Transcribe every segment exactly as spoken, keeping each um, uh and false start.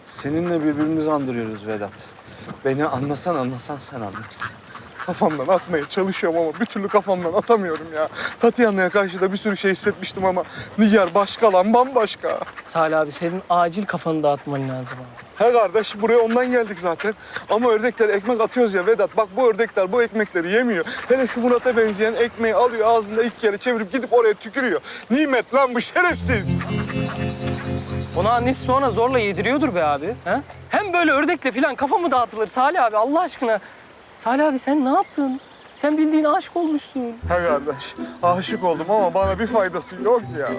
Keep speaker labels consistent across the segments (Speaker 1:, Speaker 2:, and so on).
Speaker 1: Seninle birbirimizi andırıyoruz Vedat. Beni anlasan anlasan sen anlarsın. Kafamdan atmaya çalışıyorum ama bir türlü kafamdan atamıyorum ya. Tatiana'ya karşı da bir sürü şey hissetmiştim ama Nigar başka lan, bambaşka.
Speaker 2: Salih abi senin acil kafanı dağıtman lazım abi.
Speaker 1: He kardeş, buraya ondan geldik zaten. Ama ördeklere ekmek atıyoruz ya Vedat. Bak bu ördekler bu ekmekleri yemiyor. Hele şu Murat'a benzeyen ekmeği alıyor ağzında ilk kere çevirip gidip oraya tükürüyor. Nimet lan bu, şerefsiz.
Speaker 2: Ona annesi sonra zorla yediriyordur be abi. He? Hem böyle ördekle falan kafa mı dağıtılır Salih abi Allah aşkına? Salih abi sen ne yaptın? Sen bildiğin aşık olmuşsun.
Speaker 1: He kardeş, aşık oldum ama bana bir faydası yok ya.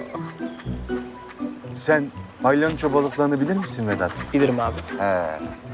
Speaker 1: Sen palyaço balıklarını bilir misin Vedat?
Speaker 2: Bilirim abi.
Speaker 1: He.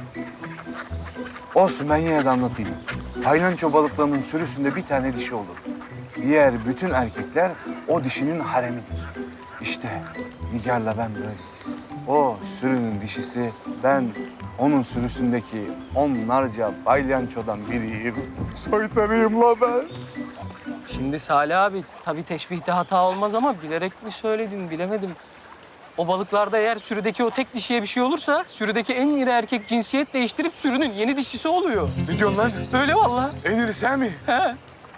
Speaker 1: Olsun, ben yine de anlatayım. Palyaço balıklarının sürüsünde bir tane dişi olur. Diğer bütün erkekler o dişinin haremidir. İşte Nigar'la ben böyleyiz. O sürünün dişisi, ben onun sürüsündeki onlarca palyaçodan biriyim. Soytarıyım la ben.
Speaker 2: Şimdi Salih abi tabii teşbihte hata olmaz ama bilerek mi söyledin bilemedim. O balıklarda eğer sürüdeki o tek dişiye bir şey olursa sürüdeki en iri erkek cinsiyet değiştirip sürünün yeni dişisi oluyor.
Speaker 1: Ne diyorsun lan?
Speaker 2: Öyle vallahi.
Speaker 1: En iri sen mi?
Speaker 2: He.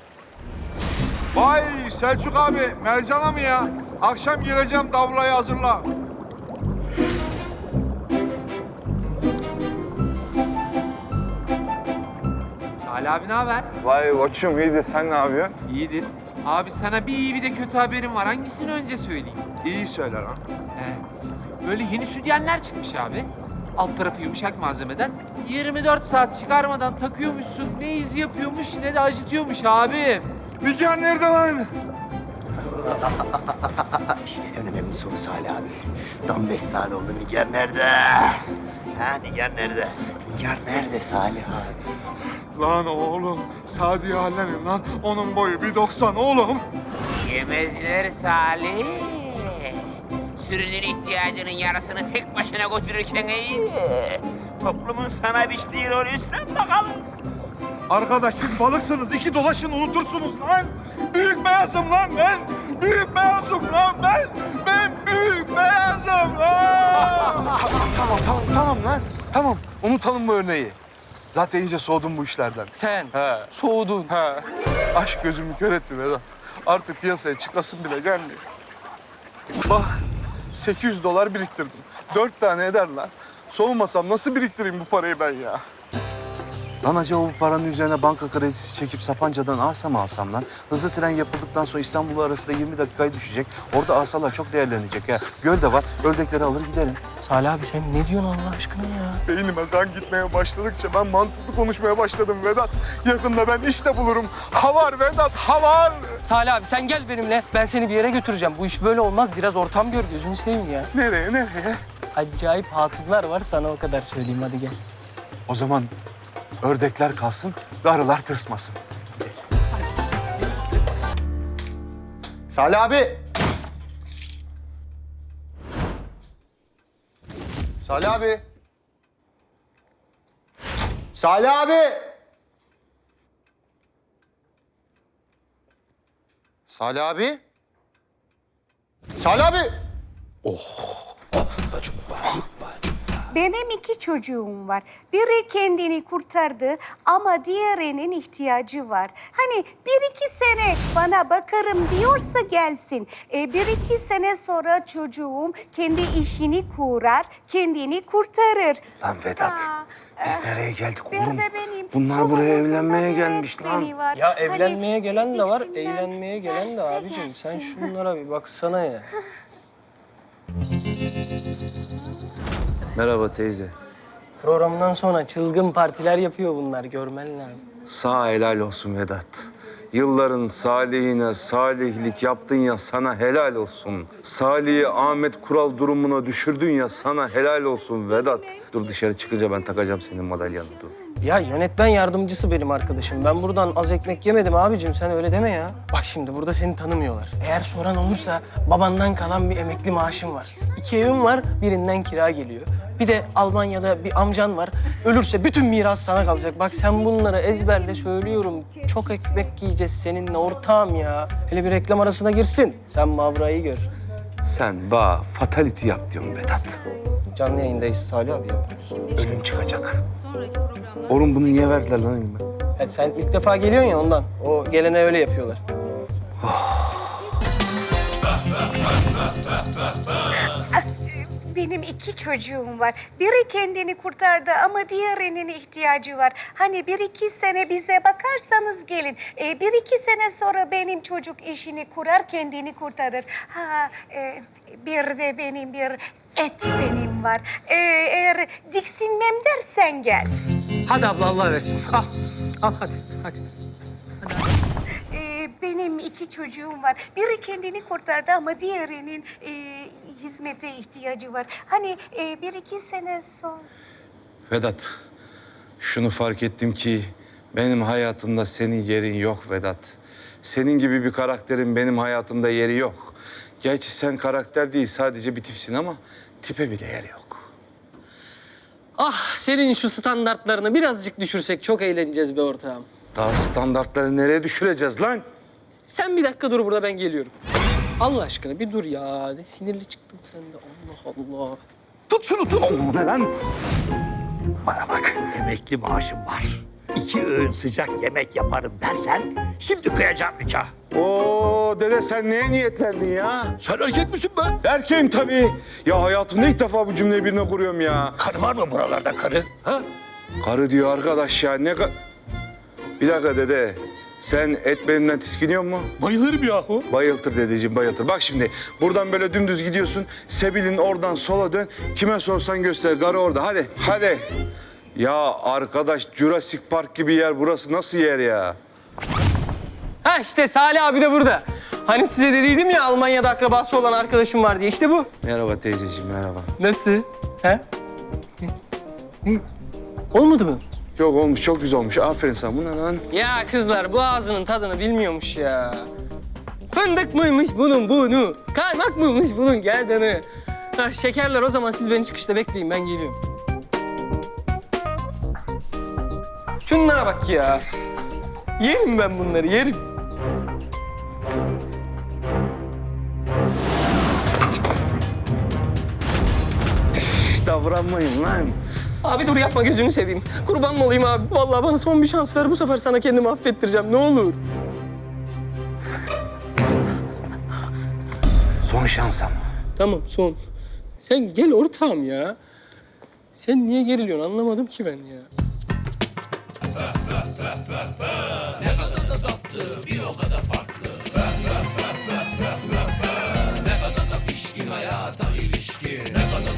Speaker 3: Vay Selçuk abi, Mercan'a mı ya? Akşam geleceğim, davlayı hazırla.
Speaker 4: Salih abi ne haber?
Speaker 1: Vay koçum, iyidir. Sen ne yapıyorsun?
Speaker 4: İyidir. Abi sana bir iyi bir de kötü haberim var. Hangisini önce söyleyeyim?
Speaker 3: İyi söyle lan.
Speaker 4: He. Böyle yeni sütyenler çıkmış abi. Alt tarafı yumuşak malzemeden. yirmi dört saat çıkarmadan takıyormuşsun. Ne iz yapıyormuş ne de acıtıyormuş abi.
Speaker 1: Nigar nerede lan?
Speaker 5: İşte en önemli soru Salih abi. Tam beş saat oldu. Nigar nerede? Ha Nigar nerede? Nigar nerede Salih abi?
Speaker 1: Lan oğlum, Sadiye hallenin lan. Onun boyu bir doksan oğlum.
Speaker 6: Yemezler Salih. Sürünün ihtiyacının yarısını tek başına götürürken iyi. Toplumun sana biçtiği rolü üstlen bakalım.
Speaker 1: Arkadaş siz balıksınız, iki dolaşın unutursunuz lan. Büyük beyazım lan ben. Büyük beyazım lan ben. Ben büyük beyazım lan. tamam, tamam, tamam, tamam lan. Tamam, unutalım bu örneği. Zaten iyice soğudum bu işlerden.
Speaker 2: Sen
Speaker 1: He.
Speaker 2: soğudun.
Speaker 1: He. Aşk gözümü kör etti Vedat. Artık piyasaya çıkasım bile gelmiyor. Bak, sekiz yüz dolar biriktirdim. Dört tane eder lan. Soğumasam nasıl biriktireyim bu parayı ben ya? Lan acaba bu paranın üzerine banka kredisi çekip Sapanca'dan Asa mı alsam lan? Hızlı tren yapıldıktan sonra İstanbul arasında yirmi dakikaya düşecek. Orada asalar çok değerlenecek ya. Göl de var, ördekleri alır giderim.
Speaker 2: Salih abi sen ne diyorsun Allah aşkına ya?
Speaker 1: Beynime kan gitmeye başladıkça ben mantıklı konuşmaya başladım Vedat. Yakında ben işte bulurum. Havar Vedat, havar!
Speaker 2: Salih abi sen gel benimle. Ben seni bir yere götüreceğim. Bu iş böyle olmaz. Biraz ortam gör gözünü seveyim ya.
Speaker 1: Nereye, nereye?
Speaker 2: Acayip hatunlar var sana o kadar söyleyeyim hadi gel.
Speaker 1: O zaman ördekler kalsın, arılar tırsmasın.
Speaker 5: Salih abi! Salih abi! Salih abi! Salih abi? Salih abi!
Speaker 7: Benim iki çocuğum var. Biri kendini kurtardı ama diğerinin ihtiyacı var. Hani bir iki sene bana bakarım diyorsa gelsin. E, bir iki sene sonra çocuğum kendi işini kurar, kendini kurtarır.
Speaker 1: Lan Vedat,
Speaker 7: Aa,
Speaker 1: biz nereye geldik
Speaker 7: bir
Speaker 1: oğlum?
Speaker 7: de benim
Speaker 1: Bunlar
Speaker 7: solumuzun
Speaker 1: buraya
Speaker 7: da
Speaker 1: evlenmeye
Speaker 7: bir
Speaker 1: gelmiş lan.
Speaker 7: öğretmeni var.
Speaker 2: Ya
Speaker 7: Hani
Speaker 2: evlenmeye gelen de var,
Speaker 7: Dixon'dan
Speaker 2: eğlenmeye gelen de
Speaker 7: derse
Speaker 2: abicim. Sen
Speaker 7: gelsin.
Speaker 2: şunlara bir baksana ya.
Speaker 1: Merhaba teyze.
Speaker 2: Programdan sonra çılgın partiler yapıyor bunlar. Görmen lazım.
Speaker 1: Sağ helal olsun Vedat. Yılların salihine salihlik yaptın ya, sana helal olsun. Salih'i Ahmet Kural durumuna düşürdün ya, sana helal olsun Vedat. Dur dışarı çıkınca ben takacağım senin madalyanı, dur.
Speaker 2: Ya yönetmen yardımcısı benim arkadaşım. Ben buradan az ekmek yemedim abicim. Sen öyle deme ya. Bak şimdi burada seni tanımıyorlar. Eğer soran olursa babandan kalan bir emekli maaşım var. İki evim var, birinden kira geliyor. Bir de Almanya'da bir amcan var. Ölürse bütün miras sana kalacak. Bak sen bunları ezberle söylüyorum. Çok ekmek yiyeceğiz seninle ortağım ya. Hele bir reklam arasına girsin. Sen Mavra'yı gör.
Speaker 1: Sen ba fatality yap diyorsun Vedat.
Speaker 2: Canlı yayındayız Salih abi ya.
Speaker 5: Ölüm çıkacak.
Speaker 1: Oğlum bunu niye verdiler lan elime?
Speaker 2: Ya sen ilk defa geliyorsun ya ondan. O gelene öyle yapıyorlar.
Speaker 7: Benim iki çocuğum var. Biri kendini kurtardı ama diğerinin ihtiyacı var. Hani bir iki sene bize bakarsanız gelin. Ee, bir iki sene sonra benim çocuk işini kurar, kendini kurtarır. Ha, e, bir de benim bir et benim var. Ee, eğer diksinmem dersen gel.
Speaker 2: Hadi abla Allah versin. Al. Al hadi. Hadi.
Speaker 7: Ee, benim iki çocuğum var. Biri kendini kurtardı ama diğerinin e, hizmete ihtiyacı var. Hani e, bir iki sene sonra...
Speaker 8: Vedat, şunu fark ettim ki benim hayatımda senin yerin yok Vedat. Senin gibi bir karakterin benim hayatımda yeri yok. Gerçi sen karakter değil, sadece bir tipsin ama tipe bile yer yok.
Speaker 2: Ah senin şu standartlarını birazcık düşürsek çok eğleneceğiz be ortağım.
Speaker 8: Daha standartları nereye düşüreceğiz lan?
Speaker 2: Sen bir dakika dur burada ben geliyorum. Allah aşkına bir dur ya. Ne sinirli çıktın sen de. Allah Allah.
Speaker 8: Tut şunu tut!
Speaker 5: Oğlum ne lan? Bana bak, emekli maaşım var. İki öğün sıcak yemek yaparım dersen şimdi kıyacağım nikah.
Speaker 8: Oo dede sen neye niyetlendin ya?
Speaker 5: Sen erkek misin be?
Speaker 8: Erkeğim tabii. Ya hayatımda ilk defa bu cümleyi birine kuruyorum ya.
Speaker 5: Karı var mı buralarda karı? Ha?
Speaker 8: Karı diyor arkadaş ya ne ka... Bir dakika dede. Sen et benimle tiskiniyor mu?
Speaker 5: Bayılırım yahu.
Speaker 8: Bayıltır dedeciğim bayıltır. Bak şimdi buradan böyle dümdüz gidiyorsun. Sebil'in oradan sola dön. Kime sorsan göster. Karı orada. Hadi. Hadi. Ya arkadaş Jurassic Park gibi yer burası nasıl yer ya?
Speaker 2: Ha işte Salih abi de burada. Hani size dediydim ya Almanya'da akrabası olan arkadaşım var diye. İşte bu.
Speaker 8: Merhaba teyzeciğim merhaba.
Speaker 2: Nasıl? Ha? Hı? Olmadı mı?
Speaker 8: Yok olmuş çok güzel olmuş. Aferin sana. Bu ne lan?
Speaker 2: Ya kızlar bu ağzının tadını bilmiyormuş ya. Fındık mıymış bunun bunu? Kaymak mıymış bunun gerdanı? Ha, şekerler o zaman siz beni çıkışta bekleyin ben geliyorum. Şunlara bak ya. Yerim ben bunları yerim.
Speaker 8: Şş, davranmayın lan.
Speaker 2: Abi dur yapma gözünü seveyim. Kurban mı olayım abi? Vallahi bana son bir şans ver. Bu sefer sana kendimi affettireceğim. Ne olur.
Speaker 8: Son şansım.
Speaker 2: Tamam son. Sen gel ortağım ya. Sen niye geriliyorsun anlamadım ki ben ya. Ne kadar da tatlı, bir o kadar farklı.